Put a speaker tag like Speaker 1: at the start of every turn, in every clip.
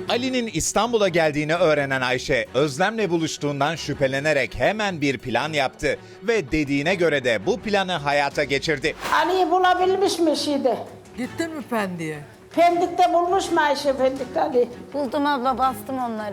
Speaker 1: Ali'nin İstanbul'a geldiğini öğrenen Ayşe, Özlem'le buluştuğundan şüphelenerek hemen bir plan yaptı ve dediğine göre de bu planı hayata geçirdi.
Speaker 2: Ali'yi bulabilmiş mi şeyde?
Speaker 3: Gittin mi Pendik'e?
Speaker 2: Pendik'te bulmuş mu Ayşe Pendik'te Ali?
Speaker 4: Buldum abla, bastım onları.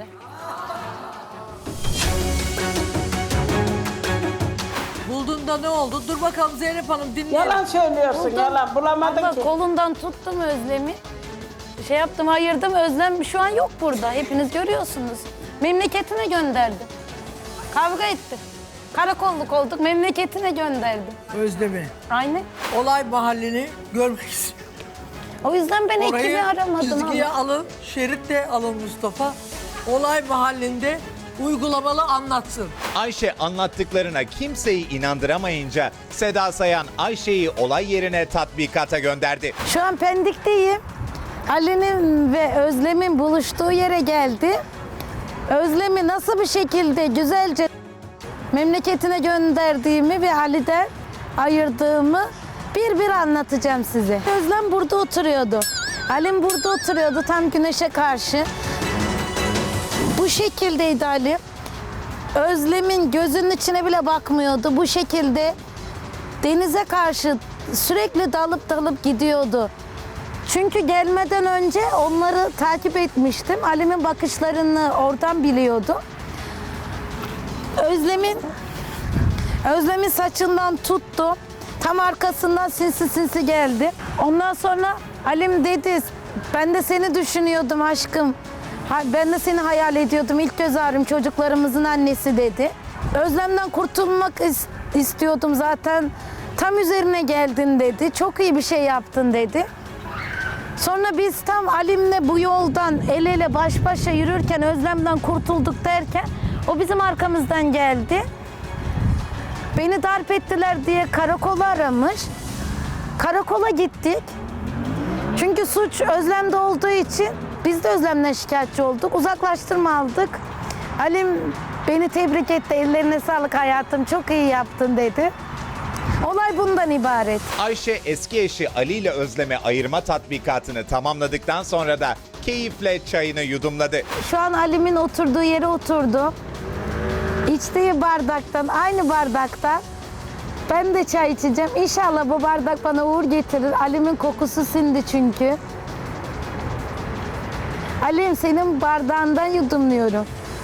Speaker 3: Buldun ne oldu? Dur bakalım Zeynep Hanım dinleyelim.
Speaker 2: Yalan söylüyorsun,
Speaker 4: Buldum.
Speaker 2: yalan. Bulamadın
Speaker 4: Abla
Speaker 2: ki.
Speaker 4: kolundan tuttum Özlem'i. Şey yaptım, ayırdım. Özlem şu an yok burada. Hepiniz görüyorsunuz. Memleketine gönderdim. Kavga ettik. Karakolluk olduk, memleketine gönderdim.
Speaker 3: Özlem'i.
Speaker 4: Aynen.
Speaker 3: Olay mahallini görmek istiyorum.
Speaker 4: O yüzden ben ekibi
Speaker 3: Orayı
Speaker 4: aramadım
Speaker 3: çizgiye
Speaker 4: ama.
Speaker 3: alın, şerit de alın Mustafa. Olay mahallinde uygulamalı anlatsın.
Speaker 1: Ayşe anlattıklarına kimseyi inandıramayınca Seda Sayan Ayşe'yi olay yerine tatbikata gönderdi.
Speaker 4: Şu an Pendik'teyim. Ali'nin ve Özlem'in buluştuğu yere geldi. Özlem'i nasıl bir şekilde güzelce memleketine gönderdiğimi ve Ali'den ayırdığımı bir anlatacağım size. Özlem burada oturuyordu. Ali'm burada oturuyordu tam güneşe karşı. Bu şekildeydi Ali. Özlem'in gözünün içine bile bakmıyordu. Bu şekilde denize karşı sürekli dalıp gidiyordu. Çünkü gelmeden önce onları takip etmiştim. Ali'min bakışlarını oradan biliyordu. Özlem'in saçından tuttu. Tam arkasından sinsi geldi. Ondan sonra Ali'm dedi, ben de seni düşünüyordum aşkım. Ben de seni hayal ediyordum. İlk göz ağrım çocuklarımızın annesi dedi. Özlem'den kurtulmak istiyordum zaten. Tam üzerine geldin dedi. Çok iyi bir şey yaptın dedi. Sonra biz tam Alim'le bu yoldan el ele baş başa yürürken Özlem'den kurtulduk derken o bizim arkamızdan geldi. Beni darp ettiler diye karakola aramış. Karakola gittik. Çünkü suç Özlem'de olduğu için biz de Özlem'den şikayetçi olduk. Uzaklaştırma aldık. Alim beni tebrik etti. Ellerine sağlık hayatım. Çok iyi yaptın dedi. Olay bundan ibaret.
Speaker 1: Ayşe eski eşi Ali ile Özlem'e ayırma tatbikatını tamamladıktan sonra da keyifle çayını yudumladı.
Speaker 4: Şu an Alim'in oturduğu yere oturdu. İçtiği bardaktan, aynı bardakta ben de çay içeceğim. İnşallah bu bardak bana uğur getirir. Alim'in kokusu sindi çünkü. Alim, senin bardağından yudumluyorum.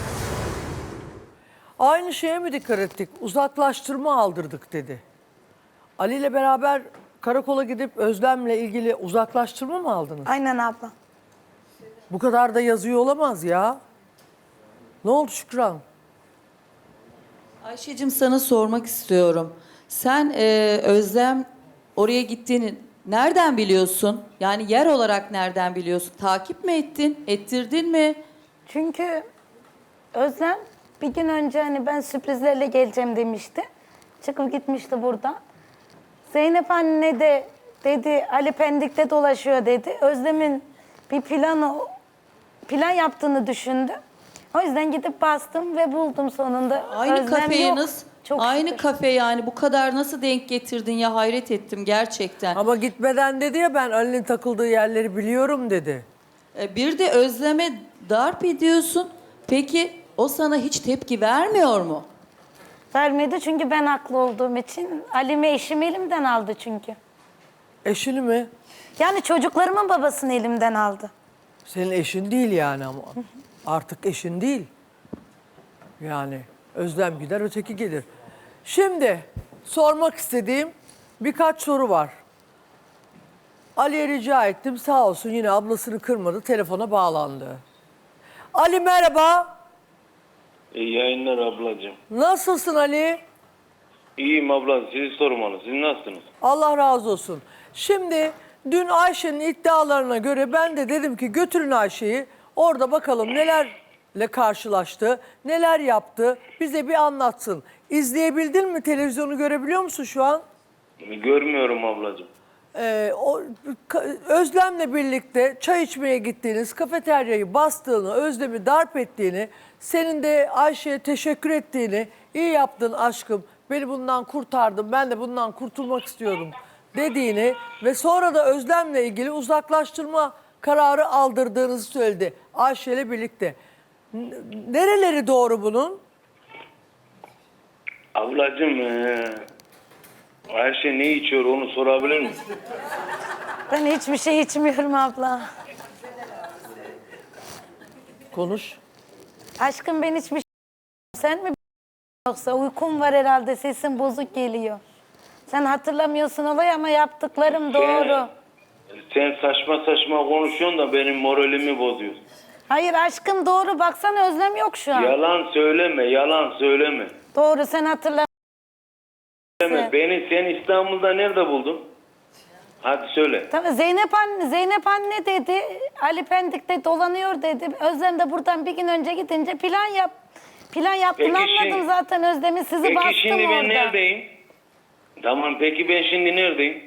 Speaker 3: Aynı şeye mi dikkat ettik? Uzaklaştırma aldırdık dedi. Ali ile beraber karakola gidip Özlem'le ilgili uzaklaştırma mı aldınız?
Speaker 4: Aynen abla.
Speaker 3: Bu kadar da yazıyor olamaz ya. Ne oldu Şükran?
Speaker 5: Ayşe'cim sana sormak istiyorum. Sen Özlem oraya gittiğini nereden biliyorsun? Yani yer olarak nereden biliyorsun? Takip mi ettin? Ettirdin mi?
Speaker 4: Çünkü Özlem bir gün önce hani ben sürprizlerle geleceğim demişti. Çıkıp gitmişti buradan. Zeynep anne de dedi Ali Pendik'te dolaşıyor dedi. Özlem'in bir plan yaptığını düşündüm. O yüzden gidip bastım ve buldum sonunda.
Speaker 5: Aynı
Speaker 4: Özlem
Speaker 5: kafeye
Speaker 4: yok.
Speaker 5: nasıl?
Speaker 4: Çok
Speaker 5: Aynı
Speaker 4: şükür.
Speaker 5: kafe yani bu kadar nasıl denk getirdin ya, hayret ettim gerçekten.
Speaker 3: Ama gitmeden dedi ya, ben Ali'nin takıldığı yerleri biliyorum dedi.
Speaker 5: Bir de Özlem'e darp ediyorsun. Peki o sana hiç tepki vermiyor mu?
Speaker 4: Vermedi çünkü ben haklı olduğum için. Ali'mi eşim elimden aldı çünkü.
Speaker 3: Eşini mi?
Speaker 4: Yani çocuklarımın babasını elimden aldı.
Speaker 3: Senin eşin değil yani ama. Artık eşin değil. Yani Özlem gider öteki gelir. Şimdi sormak istediğim birkaç soru var. Ali'ye rica ettim, sağ olsun yine ablasını kırmadı, telefona bağlandı. Ali merhaba.
Speaker 6: İyi yayınlar ablacığım.
Speaker 3: Nasılsın Ali?
Speaker 6: İyiyim abla, sizi sormalı. Siz nasılsınız?
Speaker 3: Allah razı olsun. Şimdi dün Ayşe'nin iddialarına göre ben de dedim ki götürün Ayşe'yi. Orada bakalım nelerle karşılaştı, neler yaptı, bize bir anlatsın. İzleyebildin mi? Televizyonu görebiliyor musun şu an?
Speaker 6: Görmüyorum ablacığım.
Speaker 3: Özlem'le birlikte çay içmeye gittiğiniz, kafeteryayı bastığını, Özlem'i darp ettiğini, senin de Ayşe'ye teşekkür ettiğini, iyi yaptın aşkım, beni bundan kurtardın, ben de bundan kurtulmak istiyorum dediğini ve sonra da Özlem'le ilgili uzaklaştırma kararı aldırdığınızı söyledi Ayşe ile birlikte. Nereleri doğru bunun?
Speaker 6: Ablacığım Ayşe ne içiyor onu sorabilir misin?
Speaker 4: Ben hiçbir şey içmiyorum abla.
Speaker 3: Konuş.
Speaker 4: Aşkım ben hiçbir şey... Sen mi yoksa uykum var herhalde, sesin bozuk geliyor. Sen hatırlamıyorsun olayı ama yaptıklarım doğru.
Speaker 6: Sen saçma saçma konuşuyorsun da benim moralimi bozuyorsun.
Speaker 4: Hayır aşkım doğru, baksana Özlem yok şu an.
Speaker 6: Yalan söyleme, yalan söyleme.
Speaker 4: Doğru, sen hatırla.
Speaker 6: Beni sen İstanbul'da nerede buldun? Hadi söyle.
Speaker 4: Tamam, Zeynep anne dedi, Ali Pendik'te dolanıyor dedi. Özlem de buradan bir gün önce gidince plan yaptım,
Speaker 6: Peki
Speaker 4: anladım
Speaker 6: şimdi-
Speaker 4: zaten Özlem'i, sizi
Speaker 6: Peki
Speaker 4: bastım
Speaker 6: şimdi ben
Speaker 4: orada.
Speaker 6: neredeyim? Tamam peki ben şimdi neredeyim?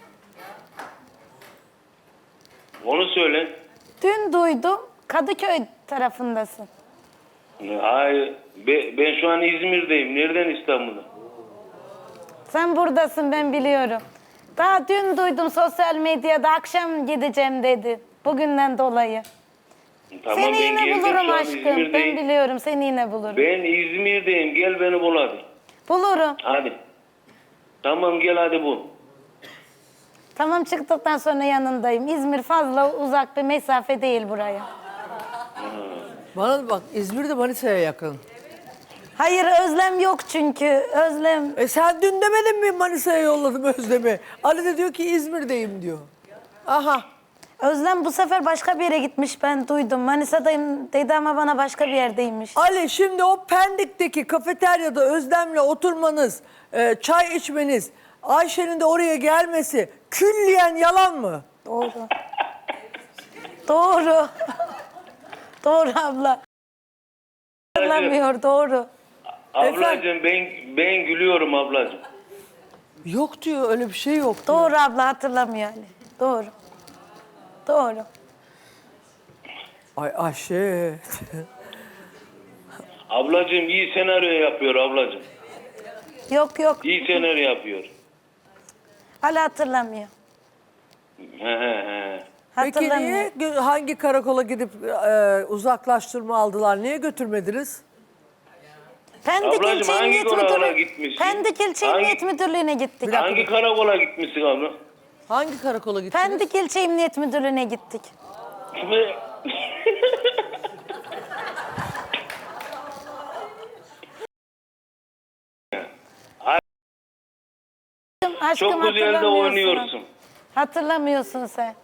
Speaker 6: Onu söyle.
Speaker 4: Dün duydum, Kadıköy tarafındasın.
Speaker 6: Hayır, ben şu an İzmir'deyim. Nereden İstanbul'da?
Speaker 4: Sen buradasın, ben biliyorum. Daha dün duydum sosyal medyada, akşam gideceğim dedi. Bugünden dolayı.
Speaker 6: Tamam
Speaker 4: Seni
Speaker 6: ben
Speaker 4: yine
Speaker 6: geldim,
Speaker 4: bulurum
Speaker 6: şu an
Speaker 4: aşkım. Ben
Speaker 6: İzmir'deyim.
Speaker 4: biliyorum, seni yine bulurum.
Speaker 6: Ben İzmir'deyim. Gel beni bul hadi.
Speaker 4: Bulurum.
Speaker 6: Hadi. Tamam gel hadi bul.
Speaker 4: Tamam, çıktıktan sonra yanındayım. İzmir fazla uzak bir mesafe değil buraya.
Speaker 3: Bana bak, İzmir'de Manisa'ya yakın.
Speaker 4: Hayır, Özlem yok çünkü. Özlem.
Speaker 3: Sen dün demedin mi Manisa'ya yolladım Özlem'i? Ali de diyor ki İzmir'deyim diyor. Aha.
Speaker 4: Özlem bu sefer başka bir yere gitmiş, ben duydum. Manisa'dayım dedi ama bana başka bir yerdeymiş.
Speaker 3: Ali, şimdi o Pendik'teki kafeteryada Özlem'le oturmanız, çay içmeniz, Ayşe'nin de oraya gelmesi külliyen yalan mı?
Speaker 4: Doğru. Doğru. Doğru abla. Hatırlamıyor, doğru.
Speaker 6: Ablacığım ben gülüyorum ablacığım.
Speaker 3: Yok diyor, öyle bir şey yok diyor.
Speaker 4: Doğru abla, hatırlamıyor Ali. Doğru. Doğru.
Speaker 3: Ay Ayşe.
Speaker 6: Ablacığım iyi senaryo yapıyor ablacığım.
Speaker 4: Yok yok.
Speaker 6: İyi senaryo yapıyor.
Speaker 4: Ali hatırlamıyor.
Speaker 6: He.
Speaker 3: Peki
Speaker 4: Hatırlamıyor.
Speaker 3: niye hangi karakola gidip uzaklaştırma aldılar? Niye götürmediniz?
Speaker 4: Pendik
Speaker 6: Ablacığım,
Speaker 4: İlçe
Speaker 6: hangi
Speaker 4: Emniyet
Speaker 6: karakola
Speaker 4: Müdürlüğü.
Speaker 6: gitmişsin?
Speaker 4: Pendik İlçe
Speaker 6: Hangi-
Speaker 4: Emniyet Müdürlüğü'ne gittik.
Speaker 6: Hangi karakola gitmişsin abla?
Speaker 3: Hangi karakola gittiniz?
Speaker 4: Pendik İlçe Emniyet Müdürlüğü'ne gittik. Aşkım,
Speaker 6: Çok güzel de
Speaker 4: hatırlamıyorsun.
Speaker 6: oynuyorsun.
Speaker 4: Hatırlamıyorsun sen.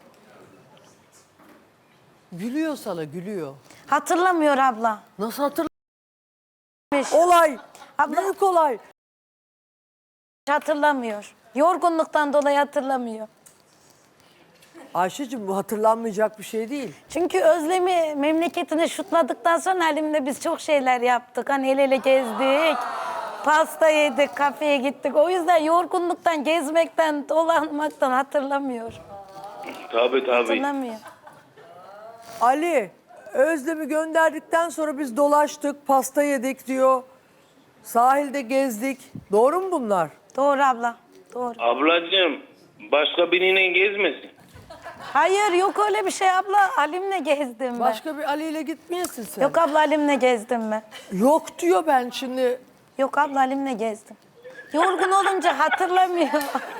Speaker 3: Gülüyor sana, gülüyor.
Speaker 4: Hatırlamıyor abla.
Speaker 3: Nasıl Olay.
Speaker 4: Abla-
Speaker 3: Büyük olay.
Speaker 4: Hatırlamıyor. Yorgunluktan dolayı hatırlamıyor.
Speaker 3: Ayşe'cim, bu hatırlanmayacak bir şey değil.
Speaker 4: Çünkü Özlem'i memleketine şutladıktan sonra Halim'le biz çok şeyler yaptık. Hani el ele gezdik, pasta yedik, kafeye gittik. O yüzden yorgunluktan, gezmekten, dolanmaktan hatırlamıyor.
Speaker 6: Tabii.
Speaker 4: Hatırlamıyor.
Speaker 3: Ali, Özlem'i gönderdikten sonra biz dolaştık, pasta yedik diyor. Sahilde gezdik. Doğru mu bunlar?
Speaker 4: Doğru abla, doğru.
Speaker 6: Ablacığım başka biriyle gezmesin.
Speaker 4: Hayır, yok öyle bir şey abla. Halim'le gezdim ben.
Speaker 3: Başka bir Ali ile gitmeyesin sen.
Speaker 4: Yok abla, Halim'le gezdim ben.
Speaker 3: Yok diyor, ben şimdi.
Speaker 4: Yok abla, Halim'le gezdim. Yorgun olunca hatırlamıyor.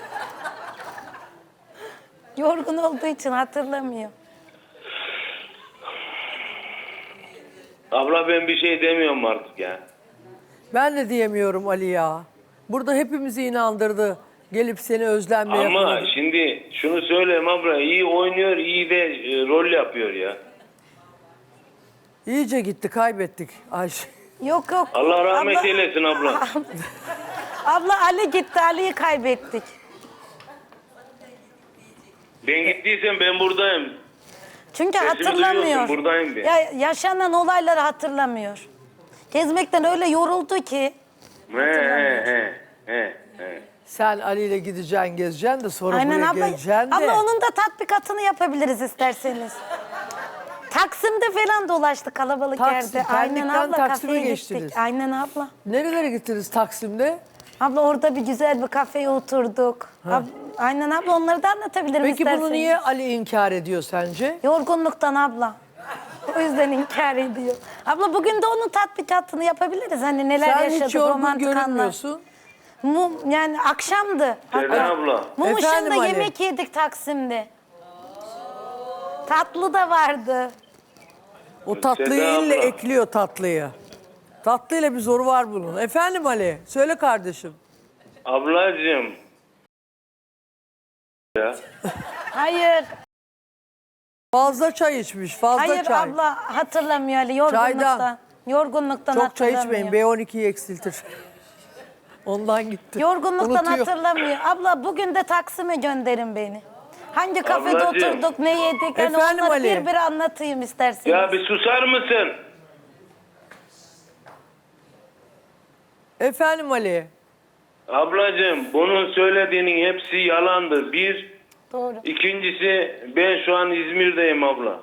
Speaker 4: Yorgun olduğu için hatırlamıyor.
Speaker 6: Abla ben bir şey demiyorum artık ya.
Speaker 3: Ben de diyemiyorum Ali ya. Burada hepimizi inandırdı. Gelip seni Özlem'le
Speaker 6: Ama
Speaker 3: yakaladı.
Speaker 6: şimdi şunu söyleyeyim abla iyi oynuyor iyi de rol yapıyor ya.
Speaker 3: İyice gitti, kaybettik Ayşe.
Speaker 4: Yok yok.
Speaker 6: Allah rahmet
Speaker 4: Abla-
Speaker 6: eylesin abla.
Speaker 4: Abla Ali gitti, Ali'yi kaybettik.
Speaker 6: Ben gittiysem ben buradayım.
Speaker 4: Çünkü
Speaker 6: Sesimi
Speaker 4: hatırlamıyor.
Speaker 6: duyuyorsun, buradayım ben.
Speaker 4: Ya, yaşanan olayları hatırlamıyor. Gezmekten öyle yoruldu ki.
Speaker 6: He.
Speaker 3: Sen Ali ile gideceksin, gezeceksin de sonra
Speaker 4: Aynen
Speaker 3: buraya
Speaker 4: abla.
Speaker 3: geleceksin de.
Speaker 4: Abla onun da tatbikatını yapabiliriz isterseniz. Taksim'de falan dolaştık kalabalık
Speaker 3: Taksim,
Speaker 4: yerde. Aynen
Speaker 3: Pendik'ten
Speaker 4: abla,
Speaker 3: Taksim'e
Speaker 4: kafeye
Speaker 3: geçtiniz.
Speaker 4: gittik. Aynen abla.
Speaker 3: Nerelere gittiniz Taksim'de?
Speaker 4: Abla orada bir güzel bir kafeye oturduk. Aynen abla, onları da anlatabilirim
Speaker 3: Peki
Speaker 4: isterseniz.
Speaker 3: bunu niye Ali inkar ediyor sence?
Speaker 4: Yorgunluktan abla. O yüzden inkar ediyor. Abla bugün de onun tatbikatını yapabiliriz. Hani neler
Speaker 3: Sen
Speaker 4: yaşadık,
Speaker 3: hiç yorgun
Speaker 4: romantik anlar.
Speaker 3: görünmüyorsun.
Speaker 4: Yani akşamdı.
Speaker 6: Seda abla.
Speaker 4: Mum
Speaker 3: Efendim
Speaker 4: ışığında
Speaker 3: Ali?
Speaker 4: yemek yedik Taksim'de. Tatlı da vardı.
Speaker 3: O tatlıyı
Speaker 6: Seda
Speaker 3: ille
Speaker 6: abla.
Speaker 3: ekliyor tatlıyı. Tatlıyla bir zoru var bunun. Efendim Ali, söyle kardeşim.
Speaker 6: Ablacığım. Ya.
Speaker 4: Hayır.
Speaker 3: Fazla çay içmiş, fazla
Speaker 4: Hayır
Speaker 3: çay.
Speaker 4: abla, hatırlamıyor Ali, yorgunluktan.
Speaker 3: Çaydan.
Speaker 4: Yorgunluktan
Speaker 3: Çok çay
Speaker 4: hatırlamıyor.
Speaker 3: içmeyin, B12'yi eksiltir. Ondan gitti.
Speaker 4: Yorgunluktan
Speaker 3: Unutuyor.
Speaker 4: hatırlamıyor. Abla bugün de Taksim'e gönderin beni. Hangi kafede
Speaker 6: Ablacığım.
Speaker 4: oturduk, ne yedik? Hani
Speaker 3: Efendim
Speaker 4: onları
Speaker 3: Ali?
Speaker 4: bir anlatayım isterseniz.
Speaker 6: Ya bir susar mısın?
Speaker 3: Efendim Ali.
Speaker 6: Ablacığım bunun söylediğinin hepsi yalandır. Bir.
Speaker 4: Doğru.
Speaker 6: İkincisi ben şu an İzmir'deyim abla.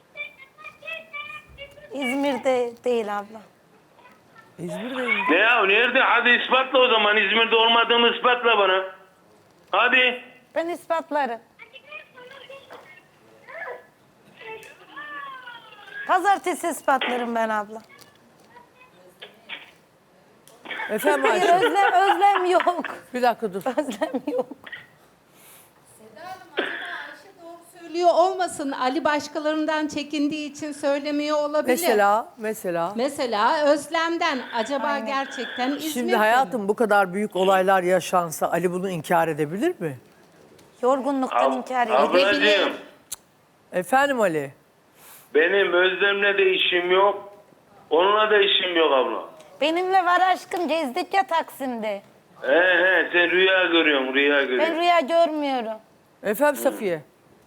Speaker 4: İzmir'de değil abla.
Speaker 3: İzmir'deyim.
Speaker 6: Ne ya nerede? Hadi ispatla o zaman. İzmir'de olmadığımı ispatla bana. Hadi.
Speaker 4: Ben ispatlarım. Pazartesi ispatlarım ben abla.
Speaker 3: Efendim
Speaker 4: Hayır,
Speaker 3: Ayşe.
Speaker 4: özlem yok.
Speaker 3: Bir dakika dur.
Speaker 4: Özlem yok.
Speaker 7: Ayşe doğru söylüyor olmasın. Ali başkalarından çekindiği için söylemiyor olabilir.
Speaker 3: Mesela.
Speaker 7: Özlem'den acaba gerçekten İzmir'de
Speaker 3: Şimdi
Speaker 7: mi?
Speaker 3: hayatım bu kadar büyük olaylar yaşansa Ali bunu inkar edebilir mi?
Speaker 4: Yorgunluktan inkar ediyor.
Speaker 6: Ablacığım
Speaker 3: Efendim Ali.
Speaker 6: benim Özlem'le de işim yok. Onunla da işim yok abla.
Speaker 4: Benimle var aşkım, gezdik ya Taksim'de.
Speaker 6: Sen rüya görüyorsun rüya
Speaker 4: Ben
Speaker 6: görüyorsun.
Speaker 4: rüya görmüyorum.
Speaker 3: Efendim Safiye.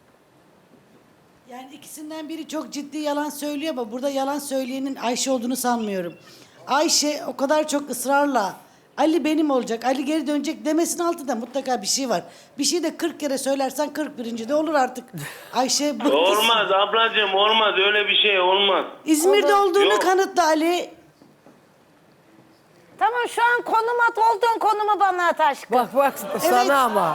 Speaker 8: Yani ikisinden biri çok ciddi yalan söylüyor ama burada yalan söyleyenin Ayşe olduğunu sanmıyorum. Ayşe o kadar çok ısrarla Ali benim olacak, Ali geri dönecek demesinin altında mutlaka bir şey var. Bir şey de 40 kere söylersen 41. de olur artık. Ayşe bıktı.
Speaker 6: Olmaz ablacığım olmaz öyle bir şey olmaz.
Speaker 8: İzmir'de olduğunu
Speaker 6: Yok.
Speaker 8: kanıtla Ali.
Speaker 4: Tamam, şu an konum at, olduğun konumu bana at aşkım.
Speaker 3: Bak sana ama.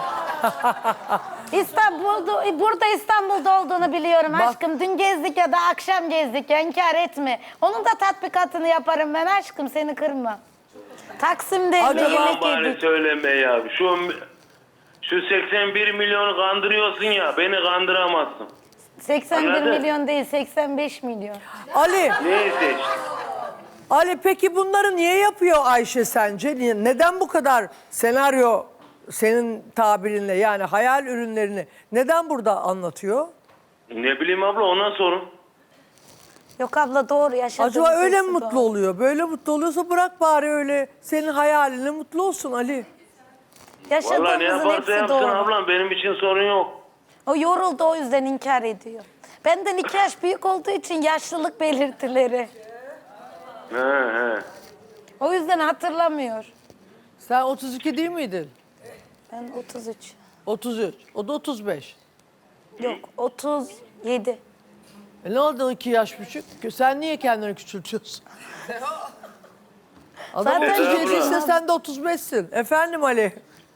Speaker 4: Burada İstanbul'da olduğunu biliyorum
Speaker 3: Bak.
Speaker 4: aşkım. Dün gezdik ya da akşam gezdik ya, inkar etme. Onun da tatbikatını yaparım ben aşkım, seni kırma. Taksim'de
Speaker 3: Acaba
Speaker 4: yemek
Speaker 6: Bari
Speaker 4: yedik.
Speaker 6: söyleme ya. Şu 81 milyonu kandırıyorsun ya beni kandıramazsın.
Speaker 4: 81
Speaker 6: Anladın?
Speaker 4: milyon değil, 85 milyon.
Speaker 3: Ali.
Speaker 6: Neyse işte.
Speaker 3: Ali peki bunları niye yapıyor Ayşe sence? Neden bu kadar senaryo senin tabirinle yani hayal ürünlerini neden burada anlatıyor?
Speaker 6: Ne bileyim abla ona sorun.
Speaker 4: Yok abla, doğru yaşadığımız
Speaker 3: Acaba öyle mi
Speaker 4: hepsi
Speaker 3: mutlu
Speaker 4: doğru.
Speaker 3: oluyor? Böyle mutlu oluyorsa bırak bari öyle senin hayalinle mutlu olsun Ali.
Speaker 6: Vallahi ne
Speaker 4: Yaşadığımızın
Speaker 6: yaparsa
Speaker 4: hepsi
Speaker 6: yapsın
Speaker 4: doğru.
Speaker 6: ablam benim için sorun yok.
Speaker 4: O yoruldu, o yüzden inkar ediyor. Benden 2 yaş büyük olduğu için yaşlılık belirtileri.
Speaker 6: He.
Speaker 4: O yüzden hatırlamıyor.
Speaker 3: Sen 32 değil miydin?
Speaker 4: Ben 33.
Speaker 3: 33. O da 35.
Speaker 4: Yok, 37.
Speaker 3: Ne oldu 2 yaş küçük? Sen niye kendini küçültüyorsun? Adam
Speaker 4: Zaten
Speaker 3: 37 ise
Speaker 6: abla.
Speaker 3: sen de 35'sin. Efendim Ali.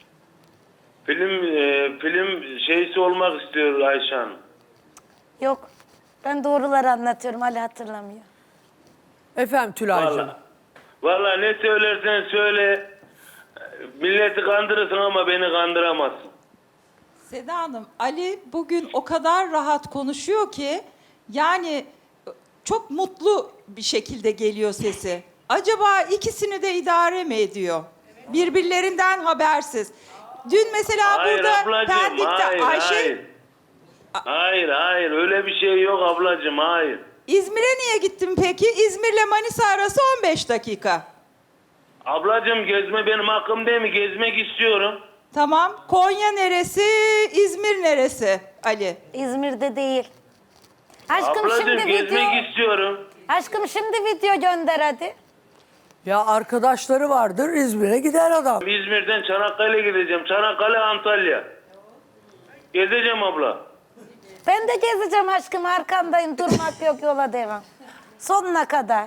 Speaker 6: Film şeysi olmak istiyor Ayşe Hanım.
Speaker 4: Yok. Ben doğruları anlatıyorum, Ali hatırlamıyor.
Speaker 3: Efendim Tülay'cığım.
Speaker 6: Vallahi ne söylersen söyle. Milleti kandırırsın ama beni kandıramazsın.
Speaker 9: Seda Hanım, Ali bugün o kadar rahat konuşuyor ki yani çok mutlu bir şekilde geliyor sesi. Acaba ikisini de idare mi ediyor? Birbirlerinden habersiz. Dün mesela
Speaker 6: Hayır
Speaker 9: burada
Speaker 6: ablacığım,
Speaker 9: Pendik'te Ayşe
Speaker 6: Hayır öyle bir şey yok ablacığım hayır.
Speaker 9: İzmir'e niye gittin peki? İzmir'le Manisa arası 15 dakika.
Speaker 6: Ablacığım gezme benim hakkım değil mi? Gezmek istiyorum.
Speaker 9: Tamam. Konya neresi? İzmir neresi Ali?
Speaker 4: İzmir'de değil. Aşkım
Speaker 6: Ablacığım
Speaker 4: şimdi
Speaker 6: gezmek
Speaker 4: video...
Speaker 6: istiyorum.
Speaker 4: Aşkım şimdi video gönder hadi.
Speaker 3: Ya arkadaşları vardır İzmir'e gider adam.
Speaker 6: İzmir'den Çanakkale'ye gideceğim. Çanakkale, Antalya. Gezeceğim abla.
Speaker 4: Ben de gezeceğim aşkım, arkandayım, durmak yok, yola devam. Sonuna kadar.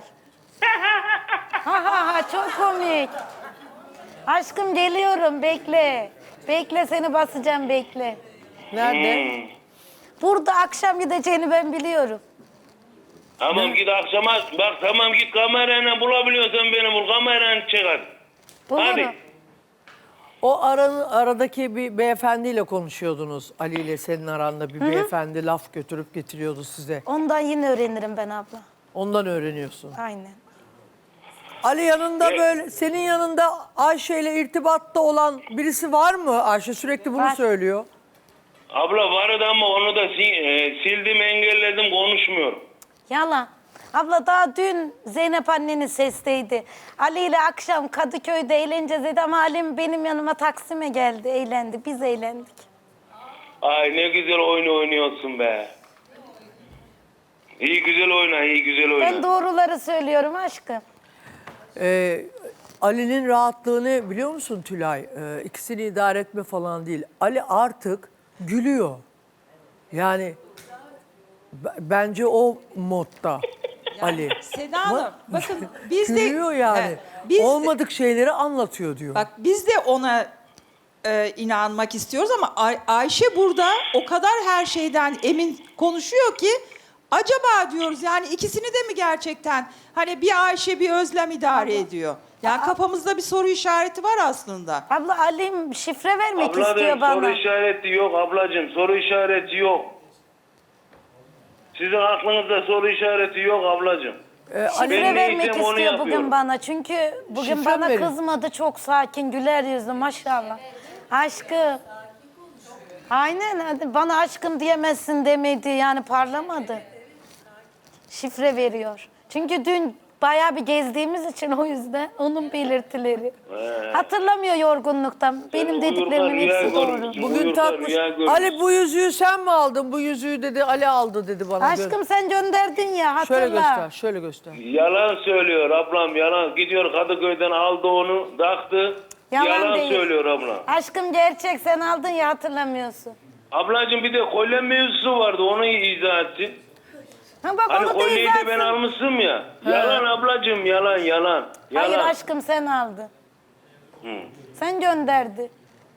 Speaker 4: Ha çok komik. Aşkım geliyorum, bekle. Bekle seni basacağım bekle.
Speaker 3: Nerede?
Speaker 4: Burada akşam gideceğini ben biliyorum.
Speaker 6: Tamam git akşama bak tamam git kamerayla bulabiliyorsan beni bul kamerayla çek hadi.
Speaker 4: Bulurum.
Speaker 6: Hadi.
Speaker 3: O aradaki bir beyefendiyle konuşuyordunuz. Ali ile senin aranda bir beyefendi laf götürüp getiriyordu size.
Speaker 4: Ondan yine öğrenirim ben abla.
Speaker 3: Ondan öğreniyorsun.
Speaker 4: Aynen.
Speaker 3: Ali yanında böyle senin yanında Ayşe ile irtibatta olan birisi var mı? Ayşe sürekli bunu
Speaker 4: Var.
Speaker 3: söylüyor.
Speaker 6: Abla vardı ama onu da sildim engelledim konuşmuyorum.
Speaker 4: Yalan. Abla daha dün Zeynep annenin sesteydi. Ali ile akşam Kadıköy'de eğleneceğiz dedi ama Ali'm benim yanıma Taksim'e geldi. Eğlendi. Biz eğlendik.
Speaker 6: Ay ne güzel oyun oynuyorsun be. İyi güzel oyna iyi güzel oyna.
Speaker 4: Ben doğruları söylüyorum aşkım.
Speaker 3: Ali'nin rahatlığını biliyor musun Tülay? İkisini idare etme falan değil. Ali artık gülüyor. Yani bence o modda Ali.
Speaker 9: Seda Hanım bakın biz de
Speaker 3: Gülüyor yani.
Speaker 9: Evet, biz de-
Speaker 3: Olmadık şeyleri anlatıyor diyor.
Speaker 9: Bak biz de ona inanmak istiyoruz ama Ayşe burada o kadar her şeyden emin konuşuyor ki acaba diyoruz yani ikisini de mi gerçekten hani bir Ayşe bir Özlem idare ediyor? Yani kafamızda bir soru işareti var aslında.
Speaker 4: Abla Ali'm şifre vermek istiyor
Speaker 6: Ablacığım
Speaker 4: bana.
Speaker 6: soru işareti yok ablacığım soru işareti yok. Sizin aklınızda soru işareti yok ablacığım.
Speaker 4: Şifre
Speaker 6: Ben
Speaker 4: vermek
Speaker 6: neysem onu
Speaker 4: istiyor
Speaker 6: yapıyorum.
Speaker 4: bugün bana. Çünkü bugün
Speaker 3: Şifre
Speaker 4: bana
Speaker 3: verin.
Speaker 4: kızmadı. Çok sakin, güler yüzlü maşallah. Aşkım. Aynen hadi bana aşkım diyemezsin demedi. Yani parlamadı. Şifre veriyor. Çünkü dün bayağı bir gezdiğimiz için o yüzden onun belirtileri. Hatırlamıyor yorgunluktan. Benim
Speaker 6: uyurken
Speaker 4: dediklerimin
Speaker 6: rüya
Speaker 4: hepsi doğru.
Speaker 6: görmüşsün.
Speaker 3: Bugün
Speaker 6: Uyurken
Speaker 3: takmış.
Speaker 6: rüya görmüş.
Speaker 3: Ali bu yüzüğü sen mi aldın? Bu yüzüğü dedi Ali aldı dedi bana.
Speaker 4: Aşkım sen gönderdin ya hatırla.
Speaker 3: Şöyle göster, şöyle göster.
Speaker 6: Yalan söylüyor ablam yalan. Gidiyor Kadıköy'den aldı onu taktı. Yalan
Speaker 4: değil.
Speaker 6: söylüyor abla.
Speaker 4: Aşkım gerçek sen aldın ya hatırlamıyorsun.
Speaker 6: Ablacığım bir de kolye mevzusu vardı onu izah etsin.
Speaker 4: Ha bak
Speaker 6: Hani
Speaker 4: onu da
Speaker 6: kolyeyi de ben
Speaker 4: izlersin.
Speaker 6: almışım ya. Yalan ablacığım yalan yalan.
Speaker 4: Hayır
Speaker 6: Yalan.
Speaker 4: aşkım sen aldın. Sen gönderdi.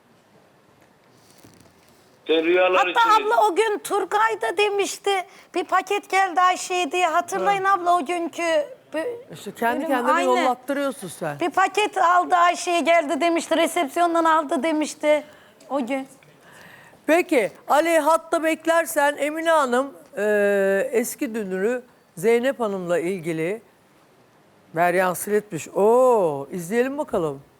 Speaker 6: Sen rüyalar
Speaker 4: Hatta
Speaker 6: içindesin.
Speaker 4: abla o gün Turgay da demişti. Bir paket geldi Ayşe'ye diye. Hatırlayın abla o günkü.
Speaker 3: İşte kendi
Speaker 4: bölüm,
Speaker 3: kendine
Speaker 4: aynen.
Speaker 3: yollattırıyorsun sen.
Speaker 4: Bir paket aldı Ayşe'ye geldi demişti. Resepsiyondan aldı demişti. O gün.
Speaker 3: Peki Ali hatta beklersen Emine Hanım eski dünürü Zeynep Hanım'la ilgili Beryan Siletmiş. Oo, izleyelim bakalım.